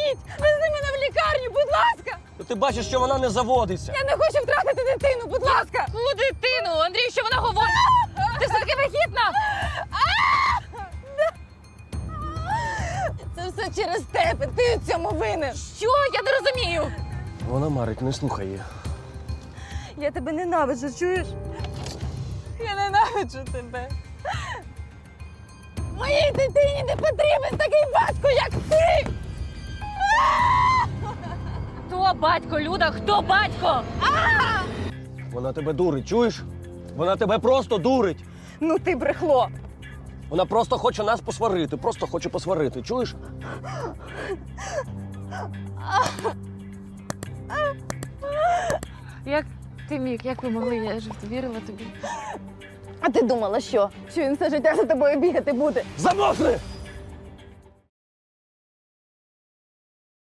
Допоможіть! Вези мене в лікарню, будь ласка! Ти бачиш, що вона не заводиться. Я не хочу втратити дитину, будь ласка! Яку дитину? Андрій, що вона говорить? Ти все-таки вагітна? Це все через тебе, ти у цьому винен! Що? Я не розумію. Вона марить, не слухай її. Я тебе ненавиджу, чуєш? Я ненавиджу тебе. Моїй дитині не потрібен такий батько, як ти! Хто батько, Люда? Хто батько? Вона тебе дурить, чуєш? Вона тебе просто дурить. Ну ти брехло! Вона просто хоче нас посварити, просто хоче посварити, чуєш? Як ти міг? Як ви могли? Я ж вірила тобі. А ти думала, що? Що він все життя за тобою бігати буде? Замовкни!